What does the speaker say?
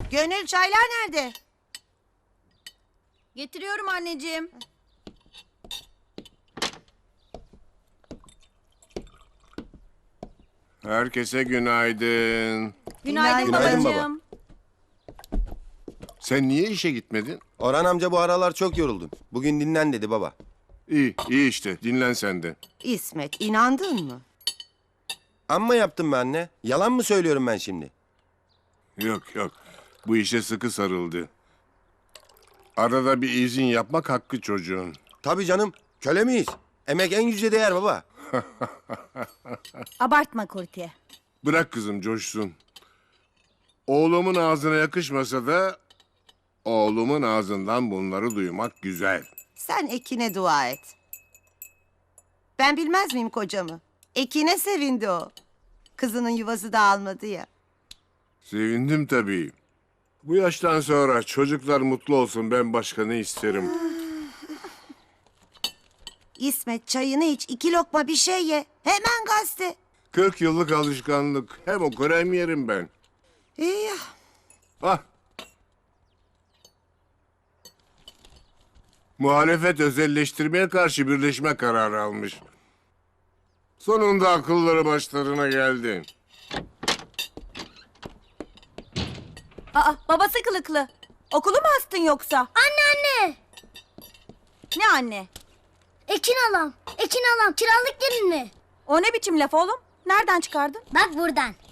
Gönül, çaylar nerede? Getiriyorum anneciğim. Herkese günaydın. Günaydın Günaydın babacığım. Sen niye işe gitmedin? Orhan amca bu aralar çok yoruldun. Bugün dinlen dedi baba. İyi, iyi işte. Dinlen sen de. İsmet, inandın mı? Amma yaptım be anne. Yalan mı söylüyorum ben şimdi? Yok yok. Bu işe sıkı sarıldı. Arada bir izin yapmak hakkı çocuğun. Tabii canım. Köle miyiz? Emek en yüce değer baba. Abartma Kurtiye. Bırak kızım coşsun. Oğlumun ağzına yakışmasa da oğlumun ağzından bunları duymak güzel. Sen Ekin'e dua et. Ben bilmez miyim kocamı? Ekin'e sevindi o. Kızının yuvası dağılmadı ya. Sevindim tabii. Bu yaştan sonra çocuklar mutlu olsun, ben başka ne isterim? İsmet, çayını iç, 2 lokma bir şey ye. Hemen gazete. 40 yıllık alışkanlık. Hem okur hem yerim ben. İyi ya. Ah. Muhalefet özelleştirmeye karşı birleşme kararı almış. Sonunda akılları başlarına geldi. Aa, babası kılıklı. Okulu mu astın yoksa? Anne! Ne anne? Ekin alam. Ekin alam. Kiralık gelin mi? O ne biçim laf oğlum? Nereden çıkardın? Bak buradan.